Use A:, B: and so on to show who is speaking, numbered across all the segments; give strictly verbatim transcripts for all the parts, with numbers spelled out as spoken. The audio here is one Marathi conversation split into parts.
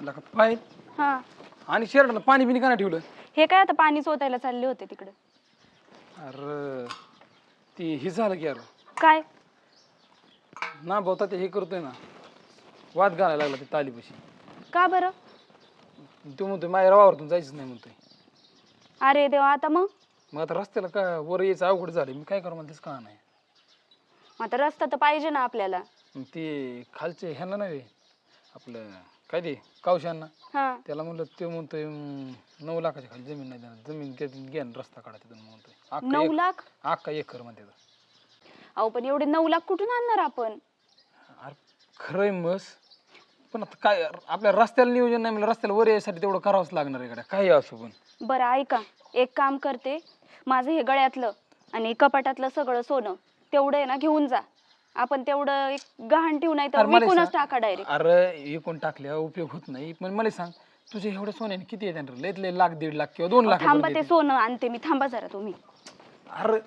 A: लका पाय
B: हा
A: आणि शर्टला पाणी बिनी का नाही ठेवलं?
B: हे काय आता पाणी चोतायला चालले होते तिकडे.
A: अरे ती हे झालं की यार
B: काय
A: ना बहुता ते हे करतोय ना वाद घालायला लागला ते तालीपाशी.
B: का बरं?
A: तो म्हणतोय माझ्या रवावरतून जायचंच नाही म्हणतोय.
B: अरे देवा आता मग
A: मग आता रस्त्याला काय वर यायचं अवघड झालं मी काय करू मला तेच का नाही.
B: आता रस्ता तर पाहिजे ना आपल्याला.
A: मग ते खालचे ह्यांना नाही आपलं काय ते कावशांना
B: हा
A: त्याला म्हणलं ते म्हणतोय अं, नऊ लाखाच्या खाली जमीन नाही देणार जमीन घ्या ना रस्ता काढा तिथून म्हणतोय अख्खा
B: नऊ
A: एक-
B: लाख
A: अख्खा एकर म्हणते तो.
B: अहो पण एवढे नऊ लाख कुठून आणणार आपण?
A: अरे खरंय मस पण आता काय आपल्या रस्त्याला नियोजन नाही म्हणजे रस्त्याला वर यायसाठी तेवढं करावंच लागणार आहे काही असो पण.
B: बरं ऐका एक काम करते माझं हे गळ्यातलं आणि कपाटातलं सगळं सोनं तेवढं आहे ना घेऊन जा. आपण तेवढं एक गहाण ठेवू नाही तर
A: अरे मला
B: विकूनच
A: सांग-
B: टाका डायरेक्ट.
A: अरे विकून टाकल्या उपयोग होत नाही पण मला सांग तुझे एवढे सोन्याने किती येतात रे? लयत लय लाख दीड लाख किंवा दोन लाख
B: थांबा
A: रुपये
B: ते
A: येतात.
B: सोनं आणते मी. थांबा जरा तुम्ही.
A: अरे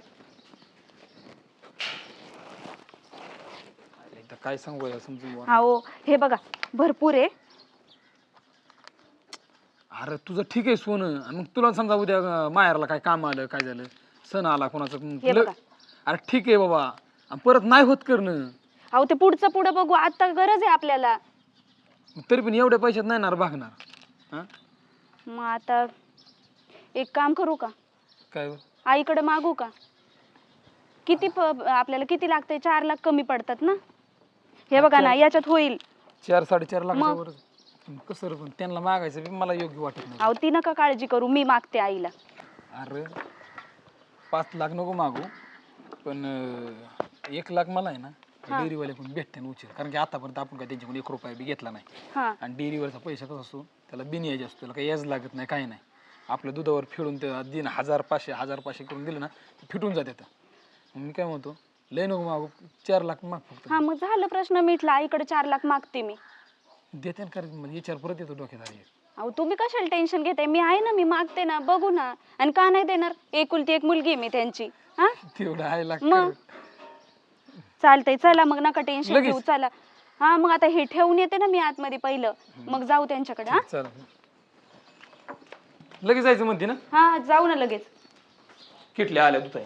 A: एकदा काय सांगू यार समजून बुवा.
B: हो हे बघा भरपूर आहे.
A: अरे तुझं ठीक आहे सोनं आणि मग तुला समजा उद्या अं, माहेरला काय काम आलं काय झालं सण आला कोणाचं मग
B: हे
A: तुला-
B: बघा.
A: अरे ठीक आहे बाबा आणि परत नाही होत करणं.
B: अहो ते पुढचं पुढं बघू आता गरज आहे आपल्याला.
A: तरी पण एवढ्या पैशात नाही ना रे भागणार. हा
B: मग आता एक काम करू का
A: काय बरं?
B: आईकडे मागू का? किती प- आपल्याला किती लागतंय? चार लाख कमी पडतात ना. हे बघा ना याच्यात होईल.
A: चार साडेचार लाखाच्या
B: मग?
A: वर कसं रे पण त्यांना मागायचं बी मला योग्य वाटत नाही.
B: अहो ती नका काळजी करू मी मागते आईला.
A: अरे पाच लाख नको मागू पण अं, एक लाख मला आहे ना डेअरीवाल्याकडून भेटते ना उशीर कारण की आतापर्यंत आपण काय त्यांच्याकडून एक रुपया बी घेतला नाही.
B: हा
A: आणि डेअरीवरचा पैसा कसा असतो त्याला बिन याज असतो त्याला काही याज लागत नाही काही नाही. आपल्या दुधावर फिरून ते दिन हजार पाचशे हजार पाचशे करून दिलं ना ते फिटून जाते. मग मी काय म्हणतो लय नको मागू चार लाख माग फक्त.
B: हा मग झालं प्रश्न मिटला. आईकडे चार लाख मागते मी.
A: देते ना कारण मला विचार परत येतो डोक्यात आली.
B: अहो तुम्ही कशाला टेन्शन घेताय? मी आहे ना मी मागते ना बघू ना. आणि का नाही देणार? एकुलती एक मुलगी आहे मी त्यांची. हा
A: तेवढं आहे लाख
B: मग चालतंय चला मग नका टेन्शन
A: लगेच?
B: घेऊ चला. हा मग आता हे ठेवून येते ना मी आतमध्ये पहिलं मग जाऊ त्यांच्याकडे. हा
A: चला लगेच जायचं म्हणते ना.
B: हा जाऊ ना लगेच.
A: किटल्या आल्या दुधा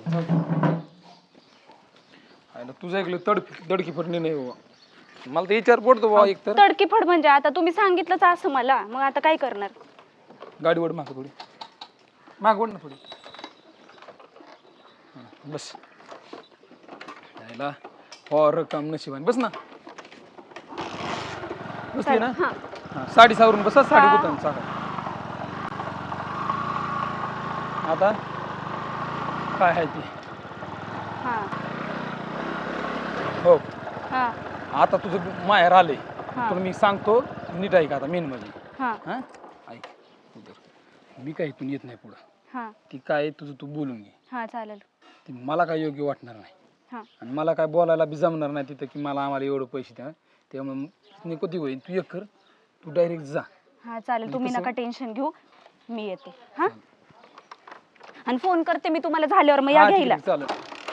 A: तुझं ऐकलं तड दडकी फटणे नाही बाबा मला तर विचार पडतो बाबा एक तर
B: तडकी फड म्हणजे आता तुम्ही सांगितलंच असं मला मग आता काय करणार?
A: गाडी वड माग थोडी माग वड ना थोडी हा, बस यायला और काम नशिबाने बस ना बसली ना.
B: हा
A: हा साडी सावरून बसा साडी गुतान चाका. आता काय आहे ती
B: हा
A: हो
B: हा
A: आता तुझं माहेर आले
B: हा.
A: पण मी सांगतो नीट ऐक आता मेन म्हणजे
B: हा
A: हा ऐक उदर मी काय इथून येत नाही पुढं.
B: हा
A: ती काय तुझं तू बोलून घे
B: हा चालेल.
A: ती मला काय योग्य वाटणार नाही
B: हा
A: आणि मला काय बोलायला बी जमणार नाही तिथं की मला आम्हाला एवढं पैसे द्या त्यामुळे कधी होईल तू एक कर तू डायरेक्ट जा.
B: हा चालेल तुम्ही
A: कसं?
B: नका टेन्शन घेऊ मी येते. हा आणि फोन करते मी तुम्हाला झाल्यावर मग या
A: हा, ठीक
B: घ्यायला.
A: आहे, चालेल.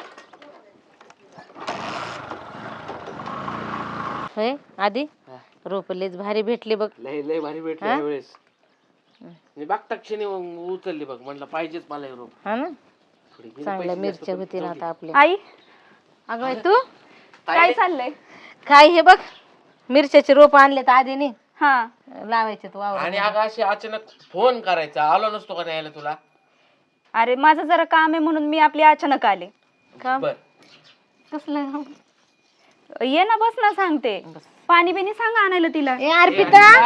C: होय आधी रोपलेच भारी भेटले बघ.
D: लय लय भारी भेटले
C: हा?
D: यावेळेस मी बघता क्षणी उचलली बघ म्हणलं पाहिजेच मला हे रोप.
C: हा ना
D: थोडी गेली
C: चांगल्या
D: पैसे
C: मिरच्या
D: जास्त
C: होती ना
D: पण
C: आता आपल्या.
B: आई
C: अगं बाई, तू
B: काय चाललंय?
C: काय हे बघ मिरच्याचे रोप आणले तर आधी नाही
B: हा
C: लावायचे तू
D: आणि
C: वावर.
D: अगं अशी अचानक फोन करायचा आलो नसतो का न्यायला तुला.
B: अरे माझं जरा काम आहे म्हणून मी आपली अचानक आले.
C: का
D: बर
C: कसलं
B: ये ना बस ना सांगते. पाणी बिनी सांगा आणायला तिला.
C: ए अर्पिता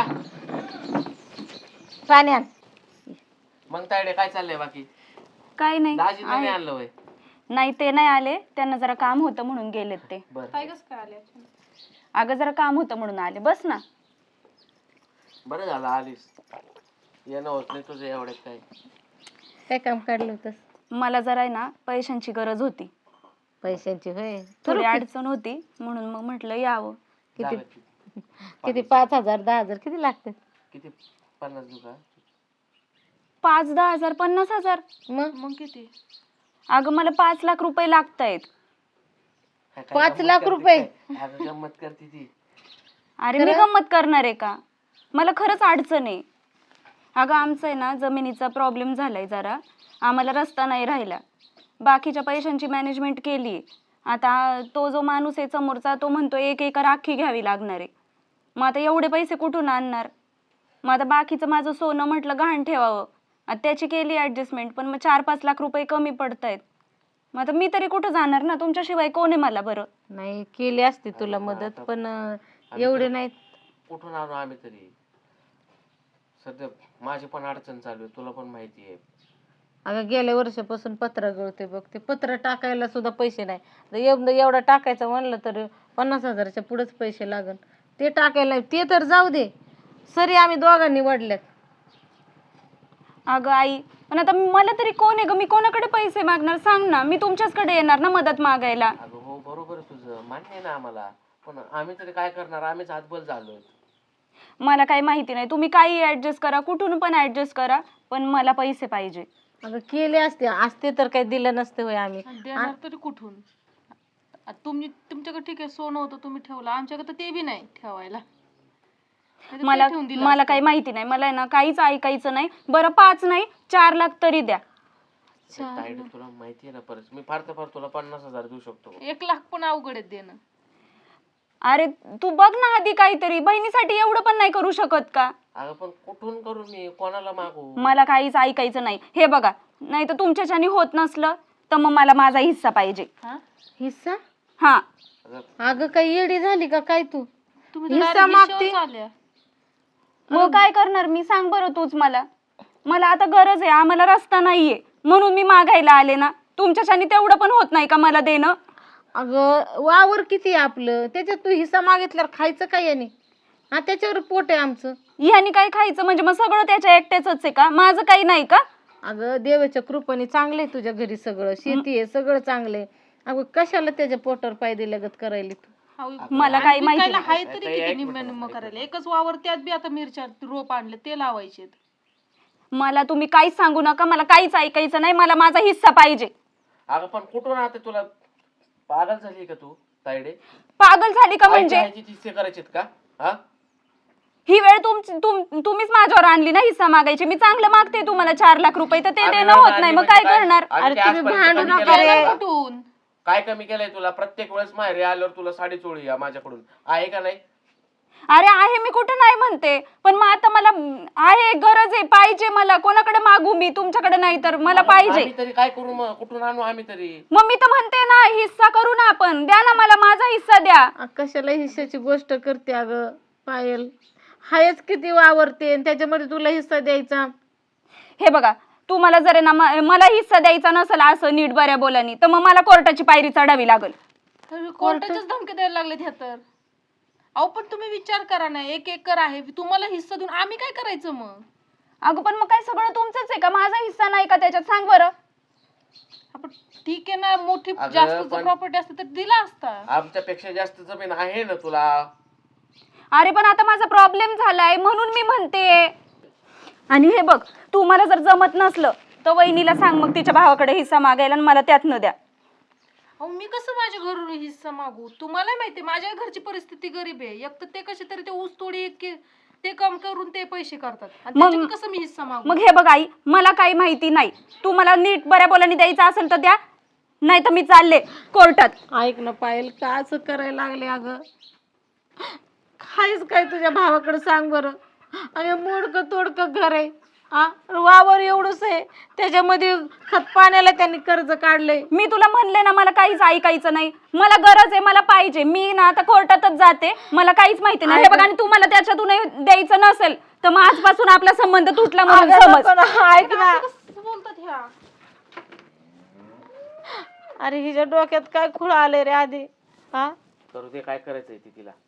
C: पाणी आण.
D: मग तायडे काय चाललंय बाकी.
B: काय नाही
D: दाजींना नाही
B: आहे.
D: आणलं वय.
B: नाही ते नाही आले त्यांना जरा काम होतं म्हणून गेलेत ते.
D: बर
B: अगं जरा काम होतं म्हणून आले. बस ना.
D: बरं झालं आलीस येणं होत नाही तुझं एवढ्यात काय.
C: काय काम काढलं होतंस?
B: मला जरा आहे ना पैशांची गरज होती.
C: पैशांची होय.
B: थोडी अडचण होती म्हणून मग म्हटलं यावं.
C: किती
D: जागा
C: किती पाच हजार दहा हजार किती लागतात?
D: किती पन्नास देऊ का.
B: पाच दहा हजार पन्नास हजार
C: मग
D: मग किती.
B: अगं मला पाच लाख रुपये लागतायत.
D: काय- काय
C: पाच
D: गंमत
C: लाख
D: करते
C: रुपये?
D: काय? अगं गंमत करते ती.
B: अरे मी गंमत करणार आहे का? मला खरंच अडचण आहे. अगं आमचं आहे ना जमिनीचा प्रॉब्लेम झालाय जरा, आम्हाला रस्ता नाही राहिला. बाकीच्या पैशांची मॅनेजमेंट केली. आता तो जो माणूस आहे समोरचा तो म्हणतो एक एकर अख्खी घ्यावी लागणार आहे. मग आता एवढे पैसे कुठून आणणार? मग आता बाकीचं माझं सोनं म्हटलं गहाण ठेवावं, आता त्याची केली ऍडजस्टमेंट, पण मग चार पाच लाख रुपये कमी पडतायत. मग आता मी तरी कुठं जाणार ना, तुमच्याशिवाय कोण आहे मला बरं?
C: नाही केली असती तुला मदत, पण अं, एवढे नाही.
D: कुठून आणू आम्ही तरी? सध्या माझी पण अडचण चालू आहे, तुला पण माहिती आहे.
C: अगं गेल्या वर्षापासून पत्र गळते बघ, ते पत्र टाकायला सुद्धा पैसे नाही. तर एवढं एवढं टाकायचं म्हणलं तर पन्नास हजाराच्या पुढेच पैसे लागन. ते टाकायला ते तर जाऊ दे, सरी आम्ही दोघांनी वडल्यात.
B: अगं आई, पण आता मला तरी कोण आहे ग? मी कोणाकडे पैसे मागणार सांग ना? मी तुमच्याचकडे येणार ना मदत मागायला.
D: अगं हो बरोबर आहे तुझं, मान्य आहे ना आम्हाला, पण आम्ही तरी काय करणार? आम्हीच हातबल झालोय.
B: मला काही माहिती नाही, तुम्ही काही ऍडजस्ट करा, कुठून पण ऍडजस्ट करा, पण मला पैसे पाहिजे.
C: अगं केले असते असते तर काही दिलं नसते होय आम्ही.
E: देणार तरी कुठून? आ, तुम्ही तुमच्याकडे ठीक आहे सोनं होतं तुम्ही ठेवलं, आमच्याकडे तर ते बी नाही ठेवायला. नाहीतर ते
B: मला
E: ठेवून दिलं
B: मला
E: असतं.
B: काही माहिती नाही, मला आहे ना काहीच ऐकायचं नाही. बरं पाच नाही चार लाख तरी द्या.
D: ताईडे तुला माहिती आहे ना, परत मी फार तर फार तुला पन्नास हजार देऊ शकतो.
E: एक लाख पण अवघड आहे देणं.
B: अरे तू बघ ना आधी काहीतरी, बहिणीसाठी एवढं पण नाही करू शकत का?
D: अगं पण कुठून करू मी, कोणाला मागू?
B: मला काहीच ऐकायचं नाही. हे बघा, नाही तर तुमच्याच्यानी होत नसलं तर मग मला माझा हिस्सा पाहिजे.
E: हा
C: हिस्सा?
B: हा.
C: अगं काही येडी झाली का काय तू?
E: तुम्ही तर
C: हिस्सा
E: direct
C: मागते?
E: हिश्श्यावर आल्या.
B: मग काय करणार मी, सांग बरं तूच मला. मला आता गरज आहे, आम्हाला रस्ता नाहीये म्हणून मी मागायला आले ना. तुमच्याच्यानी तेवढं पण होत नाही का मला देणं?
C: अगं वावर किती आहे आपलं, त्याच्यात तू हिस्सा मागितल्यावर खायचं काय याने? हा त्याच्यावर पोट आहे आमचं.
B: ह्यानी काय खायचं म्हणजे मग सगळं त्याच्या एकट्याच आहे का? माझं काही नाही का?
C: अगं देवाच्या कृपेने चांगले आहे तुझ्या घरी, सगळं शेती आहे सगळं चांगले. अगं कशाला त्याच्या पोटावर पाय दिल्यागत करायला तू?
E: हाव,
B: मला काही
E: आणि
B: माहिती
E: विकायला
B: नाही.
E: हाय तरी किती निम्म निम्म करायला. एकच वावर त्यात बी आता मिरच्या रोप आणले ते लावायचे.
B: मला तुम्ही काहीच सांगू नका, मला काहीच ऐकायचं नाही. मला माझा हिस्सा पाहिजे.
D: अगं पण कुठून आता तुला पागल झाली का तू ताईडे?
B: पागल झाली का म्हणजे?
D: हिस्से करायचेत का? हा
B: ही वेळ तुमची तुम- तुम्हीच माझ्यावर आणली ना हिस्सा मागायची. मी चांगलं मागते तुम्हाला चार लाख रुपये, तर ते
D: आम्ही
B: देणं होत नाही, मग
D: म्हणजे
B: काय
D: काय?
B: करणार?
D: आम्ही
C: अरे
D: ते
C: तुम्ही
D: आजपर्यंत
C: भांडू
D: कमी
C: नका
D: केलंय
C: रे.
D: का?
E: कुठून?
D: काय कमी केलंय तुला? प्रत्येक वेळेस माहेरी आल्यावर तुला साडी चोळी या माझ्याकडून, आहे का नाही?
B: अरे आहे, मी कुठं नाही म्हणते, पण मग आता मला आहे, गरज आहे, पाहिजे मला. कोणाकडे मागू मी? तुमच्याकडे नाही तर मला पाहिजे.
D: आम्ही तरी काय करू मग? कुठून आणू आम्ही तरी?
B: मग मी तर म्हणते ना हिस्सा करू ना आपण. द्या ना मला माझा हिस्सा द्या.
C: अ, कशाला हिस्साची गोष्ट करते अगं पायल? हायच किती वावरते आणि त्याच्यामध्ये तुला हिस्सा द्यायचा?
B: हे बघा, तुम्हाला जर आहे ना म- मला हिस्सा द्यायचा नसेल असं नीट बऱ्या बोलानी, तर मग मला कोर्टाची पायरी चढावी लागल.
E: कोर्टाच्याच धमकी द्यायला लागलेत ह्या तर. अहो पण तुम्ही विचार करा ना, एक एकर आहे तुम्हाला हिस्सा देऊन आम्ही काय करायचं मग?
B: अगं पण मग काय सगळं तुमचंच आहे का? माझा हिस्सा नाही का त्याच्यात? सांग बरं.
E: आपण ठीक आहे ना, मोठी
D: अगं,
E: जास्त
D: पण-
E: प्रॉपर्टी असते तर दिला असता.
D: आमच्यापेक्षा जास्त जमीन आहे ना तुला.
B: अरे पण आता माझा प्रॉब्लेम झालाय म्हणून मी म्हणते. आणि हे बघ, तू मला जर जमत नसलं तर वहिनीला सांग मग तिच्या भावाकडे हिस्सा मागायला आणि मला त्यात न द्या.
E: अहो मी कसं माझ्या घरून हिस्सा मागू? तुम्हाला माहिती माझ्या घरची परिस्थिती गरीब आहे. एक तर ते कसे तरी ते ऊस तोडी एक के- ते काम करून ते पैसे करतात आणि
B: मग-
E: त्याच्यात कसं मी हिस्सा मागू?
B: मग हे बघ आई, मला काही माहिती नाही. तू मला नीट बऱ्या बोलानी द्यायचं असेल तर द्या, नाही तर मी चालले कोर्टात.
C: ऐक ना पायल, का असं करायला लागले अगं? खायच काय तुझ्या भावाकडे सांग बरं? अरे मोडकं तोडकं घर आहे, हा वावर एवढंच आहे, त्याच्यामध्ये खत पाण्याला त्यांनी कर्ज काढलंय.
B: मी तुला म्हणले ना मला काहीच ऐकायचं नाही. मला गरज आहे, मला पाहिजे. मी ना आता कोर्टातच जाते, मला काहीच माहिती नाही. हे बघ, आणि तुम्हाला त्याच्यातून द्यायचं नसेल तर मग आजपासून आपला संबंध तुटला म्हणून
C: अगं
B: समज.
C: नको ना, ऐक ना.
E: असं कसं बोलतात ह्या?
C: अरे हिच्या डोक्यात काय खुळ आले रे आधी, हा?
D: करू दे, काय करायचंय ती तिला.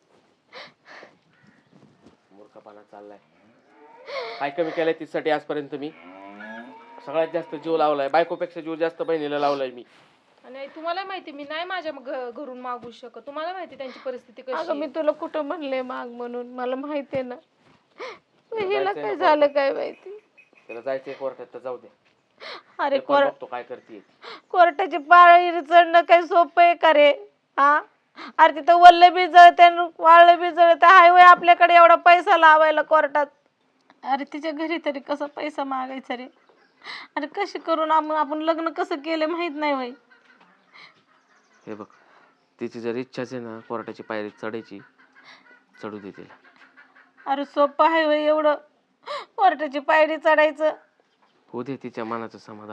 D: मूर्खपणा चाललाय. काय कमी केलंय तिच्यासाठी आजपर्यंत मी? सगळ्यात जास्त जीव लावलाय, बायकोपेक्षा जीव जास्त बहिणीला लावलाय मी.
E: आणि तुम्हाला माहिती मी नाही माझ्या घ- घरून मागू शकत. तुम्हाला माहिती त्यांची परिस्थिती कशी
C: अगं मी
E: आहे.
C: तुला कुठं म्हणले माग म्हणून, मला माहिती आहे ना. हिला
D: जायचंय
C: काय
D: ना
C: झालं काय माहिती.
D: तिला जायचंय कोर्टात तर जाऊ दे.
C: अरे
D: ते पण
C: कोर
D: बघतो काय करते.
C: कोर्टाची पायरी चढणं काही सोपं आहे का रे, हा? अरे तिथं वल्ल बी जळते वाळलं बी जळते, हायवे आपल्याकडे एवढा पैसा लावायला कोर्टात. अरे तिच्या घरी तरी कसा पैसा मागायचा रे? अरे कशी करून आपण आपण लग्न कसं केलं माहित नाही वय.
D: हे बघ, तिची जर इच्छाच आहे ना कोर्टाची पायरी चढायची, चढू दे तिला.
C: अरे सोपं आहे वय एवढं कोर्टाची पायरी चढायचं?
D: होऊ दे तिच्या मनाचं समाधान.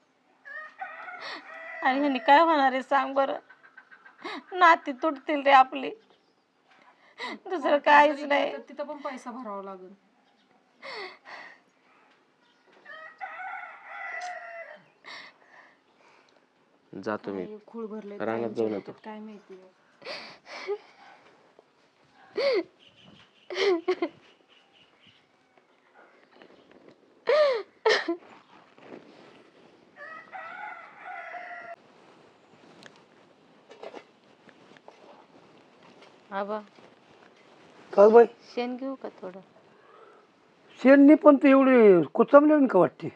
C: आणि ह्यानी काय होणार आहे सांग बरं? नाती तुटतील रे आपली, दुसरं काहीच नाही.
E: तर तिथं पण पैसा भरावा लागेल.
D: जातो मी
E: खूळ भरले
D: रानात जाऊन येतो.
E: काय माहिती.
C: आबा
F: का बाई
C: शेण घेऊ का थोडं?
F: शेणनी पण ते एवढे कोचमले का वाटते?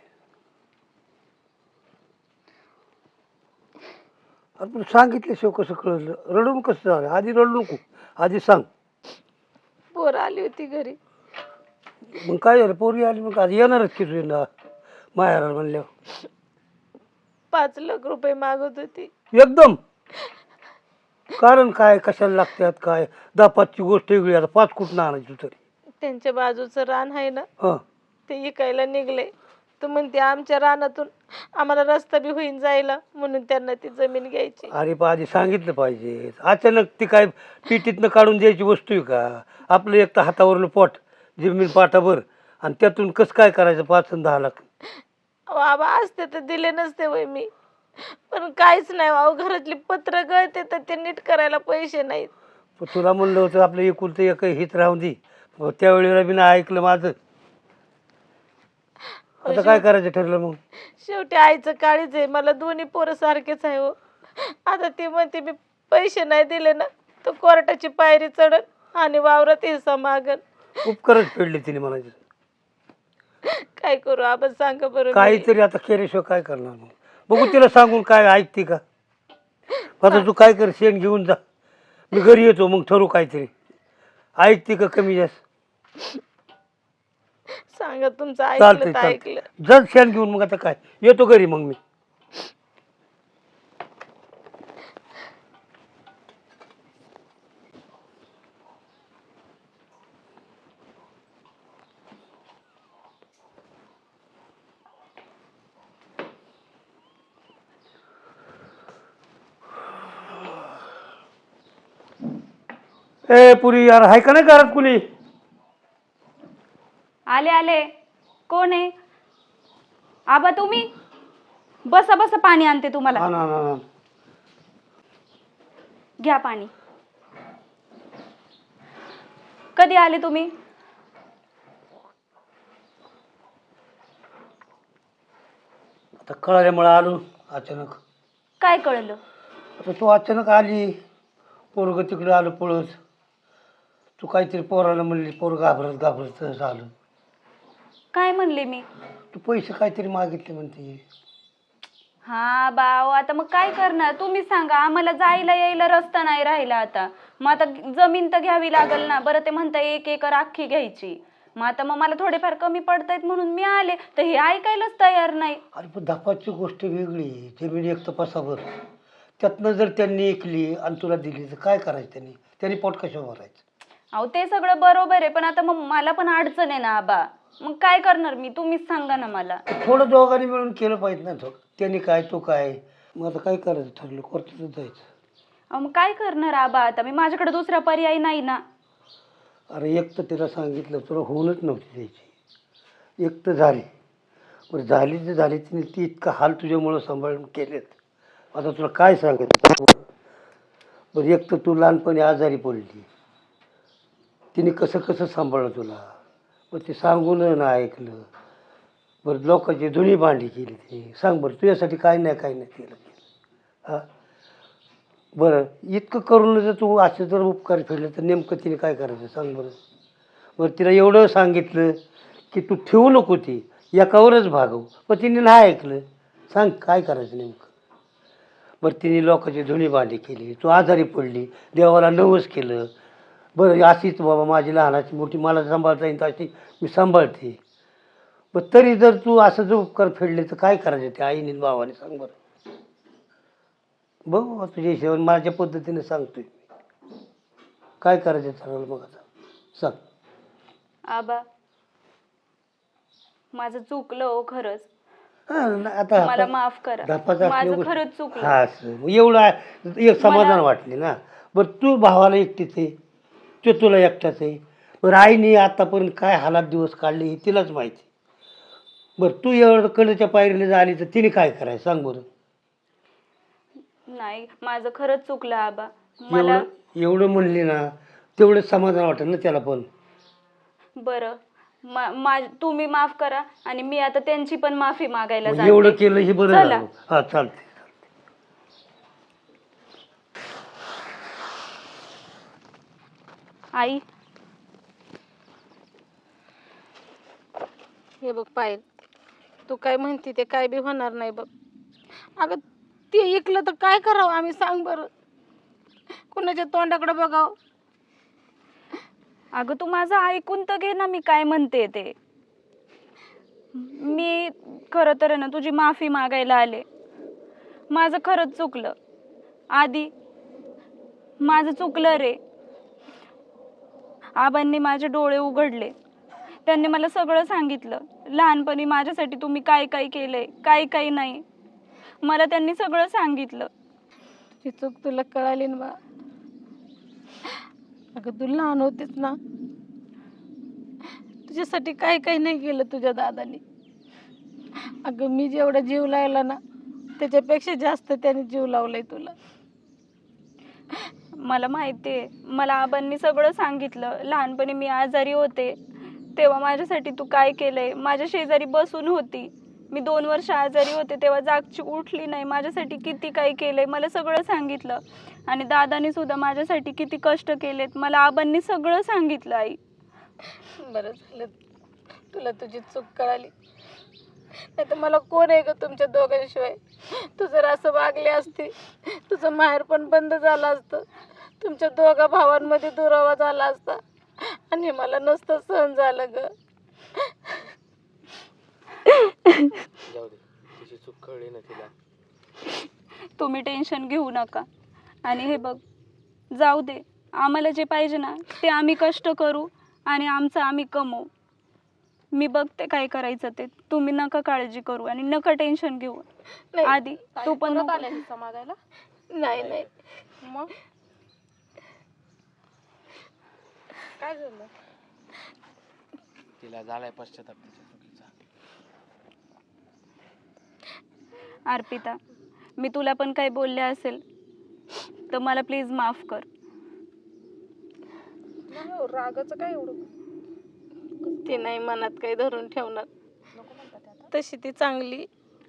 F: अरे पण सांगितल्याशिवाय कसं कळलं? रडून कसं झालं? आधी रडू नको, आधी सांग.
C: पोर आली होती घरी.
F: मग काय झालं? पोरी आली मग आधी येणारच की तुझ्या माहेराला म्हणल्यावर.
C: पाच लाख रुपये मागत होती.
F: एकदम कारण काय? कशाला लागतात काय? दहा पाचची गोष्ट वेगळी, आता पाच कुठं आणायची तरी.
C: त्यांच्या बाजूचं रान आहे ना,
F: हां
C: ते इकायला निघले. तर म्हणते आमच्या रानातून आम्हाला रस्ता बी होईन जायला, म्हणून त्यांना ती जमीन घ्यायची.
F: अरे पण आधी सांगितलं पाहिजे. अचानक ती काय पिटीतनं काढून द्यायची वस्तू आहे का? आपलं एक तर हातावरलं पोट, जमीन पाठाभर, आणि त्यातून कसं काय करायचं पाच आणि दहा लाख?
C: बाबा असते तर दिले नसते वय मी, पण काहीच नाही. अहो घरातली पत्र गळते तर ते नीट करायला पैसे नाहीत.
F: पण तुला म्हणलं होतं आपलं एकुलतं एक हित राहून दे, त्यावेळेला बी नाही ऐकलं माझं. आता काय करायचं ठरलं मग?
C: शेवटी आईचं काळीच आहे. मला दोन्ही पोरं सारखेच आहे हो. आता ती म्हणते मी पैसे नाही दिले ना तर कोर्टाची पायरी चढन आणि वावरात हिस्सा मागन.
F: उपकारच फेडले तिने म्हणायचं.
C: काय करू आपण सांगा बरं? मी.
F: काहीतरी आता केल्याशिवाय काय करणार मग? बघू तिला सांगून काय ऐकते का? आता तू काय कर, शेण घेऊन जा, मी घरी येतो, मग ठरू काहीतरी. ऐकते का कमी जास्त?
C: सांगा तुमचं
F: चालतंय
C: ऐकलं तर ऐकलं.
F: चालतंय, जर शेण घेऊन मग आता काय येतो घरी मग मी. ए पुरी यार, हाय का नाही घरात कुणी?
B: आले आले. कोण आहे? आबा तुम्ही बसा बसा, पाणी आणते तुम्हाला.
F: हा ना ना ना.
B: घ्या पाणी. कधी आले तुम्ही?
F: आता कळाल्यामुळे आलो अचानक.
B: काय कळलं?
F: आता तू अचानक आली, पोरग तिकडे आलं पळत. तू काहीतरी पोराला म्हणली, पोर घाबरत घाबरत झालं.
B: काय म्हणले मी?
F: तू पैसे काहीतरी मागितले म्हणते.
B: हा बाव, आता मग काय करणार तुम्ही सांगा. आम्हाला जायला यायला रस्ता नाही राहिला आता. मग आता जमीन तर घ्यावी लागल ना. बरं ते म्हणता एक एकर अख्खी घ्यायची. मग आता मग मला थोडेफार कमी पडतायत म्हणून मी आले, तर हे ऐकायलाच तयार नाही.
F: अरे पण धपाची गोष्ट वेगळी. जमीन एक तपासावर, त्यातनं जर त्यांनी ऐकली आणि तुला दिली तर काय करायचं? त्यांनी त्यांनी पोट कशा भरायचं?
B: अहो ते सगळं बरोबर आहे, पण आता मग मला पण अडचण आहे ना आबा. मग काय करणार मी? तुम्हीच सांगा ना मला.
F: थोडं दोघांनी मिळून केलं पाहिजे ना. तो त्यांनी काय तू काय, मग आता काय करायचं ठरलं? कोर्टातच जायचं.
B: अहो मग काय करणार आबा आता मी? माझ्याकडे दुसरा पर्याय नाही ना.
F: अरे एक तर तिला सांगितलं, तुला होऊनच नव्हती द्यायची. एक तर झाली, बरं झाली तर झाली. तिने ती इतका हाल तुझ्यामुळं सांभाळून केलेत. आता तुला काय सांगायचं? बरं एक तर तू लहानपणी आजारी पडली, तिने कसं कसं सांभाळलं तुला. मग ते सांगून ना ऐकलं. बरं लोकांची धुणी भांडी केली ती. सांग बरं तुझ्यासाठी काय नाही काय नाही केलं केलं हां? बरं इतकं करून जर तू असं जर उपकार फेडले तर नेमकं तिने काय करायचं सांग बरं? बरं तिला एवढं सांगितलं की तू ठेवू नको, ती एकावरच भागव, पण तिने नाही ऐकलं. सांग काय करायचं नेमकं? बरं तिने लोकांची धुणी भांडी केली, तू आजारी पडली, देवाला नवस केलं. बरं अशीच बाबा माझी लहानाची मोठी मला सांभाळता येईल अशी मी सांभाळते. पण तरी जर तू असं जो उपकार फेडले तर काय करायचं ते आईने आणि भावाने सांग बरं. बघ बाबा तुझ्या हिशोबाने माझ्या पद्धतीने सांगतोय काय करायचं ठरवलं मग आता सांग.
B: आबा माझं चुकलं हो खरंच.
F: हा ना, आता
B: मला
F: आपण
B: माफ करा.
F: धापाचं
B: माझं
F: असल्यावर-
B: खरंच चुकलं.
F: हा असं मग एवढं आहे, एक समाधान
B: मला-
F: वाटले ना. बरं तू भावाला एकटीच आहे, तो तुला एकटाच आहे. बरं आईने आतापर्यंत काय हालात दिवस काढले हे तिलाच माहिती. बरं तू एवढं कडच्या पायरीला झाली तर तिने काय करायचं सांग बरं.
B: नाही माझं खरंच चुकलं आबा. मला
F: एवढं एवढं म्हणली ना तेवढं समाधान वाटेल ना त्याला पण.
B: बरं मा- मा- तुम्ही माफ करा आणि मी आता त्यांची पण माफी मागायला
F: मग एवढं
B: जाते.
F: केलं हे बरं
B: चला.
F: झालं. हा चालते.
B: आई
C: हे बघ पायल, तू काय म्हणते ते काय बी होणार नाही बघ. अगं ते ऐकलं तर काय करावं आम्ही सांग बरं. कुणाच्या तोंडाकडे बघावं.
B: अगं तू माझं ऐकून तर घे ना मी काय म्हणते ते. मी खरं तर आहे ना तुझी माफी मागायला आले. माझं खरंच चुकलं आधी. माझं चुकलं रे. आबांनी माझे डोळे उघडले. त्यांनी मला सगळं सांगितलं. लहानपणी माझ्यासाठी तुम्ही काय काय केलंय काय काय नाही मला त्यांनी सगळं सांगितलं.
C: तुझी चूक तुला कळाली ना बा. अगं तू लहान होतीस ना, तुझ्यासाठी काय काय नाही केलं तुझ्या दादाने. अगं मी जेवढा जीव लावला ना त्याच्यापेक्षा जास्त त्याने जीव लावलाय तुला.
B: मला माहिती आहे. मला आबांनी सगळं सांगितलं. लहानपणी मी आजारी होते तेव्हा माझ्यासाठी तू काय केलंय. माझ्या शेजारी बसून होती मी दोन वर्ष आजारी होते तेव्हा जागची उठली नाही. माझ्यासाठी किती काय केलंय मला सगळं सांगितलं. आणि दादाने सुद्धा माझ्यासाठी किती कष्ट केलेत मला आबांनी सगळं सांगितलं. आई
C: बरं झालं तुला तुझी चूक कळाली. नाही तर मला कोण आहे ग तुमच्या दोघांशिवाय. तू जर असं वागली असती तुझं माहेर पण बंद झालं असतं. तुमच्या दोघा भावांमध्ये दुरावा झाला असता आणि मला नसतं सहन झालं ग.
D: जाऊ दे, तिची चूक कळली ना तिला.
B: तुम्ही टेन्शन घेऊ नका. आणि हे बघ जाऊ दे. आम्हाला जे पाहिजे ना ते आम्ही कष्ट करू आणि आमचं आम्ही कमवू. मी बघते काय करायचं ते. तुम्ही नका काळजी करू आणि नका टेन्शन घेऊ.
C: नाही.
B: आधी तू पण
E: परत
B: नको.
E: आल्या हिस्सा मागायला.
C: नाही नाही
E: मग काय झालं?
D: तिला झालाय पश्चाताप तिच्या चुकीचा.
B: अर्पिता मी तुला पण काही बोलले असेल तर मला प्लीज माफ कर.
E: नाही हो, रागाचं काय एवढं.
C: ती नाही मनात काही धरून ठेवणार. तशी ती चांगली.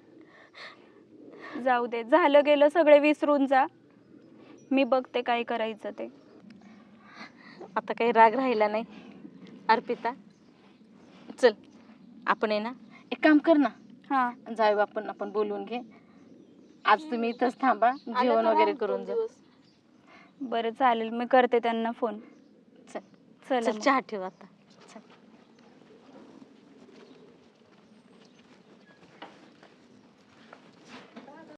B: जाऊ दे झालं गेलं सगळे विसरून जा. मी बघते काय करायचं ते.
C: आता काही राग राहिला नाही. अर्पिता चल आपण आहे ना एक काम कर ना.
B: हां
C: जाऊ आपण आपण बोलून घे. आज तुम्ही इथंच थांबा जेवण वगैरे करून जा.
B: बरं चालेल मी करते त्यांना फोन.
C: चल
B: चला
C: चल
B: मग.
C: चहा ठेव आता.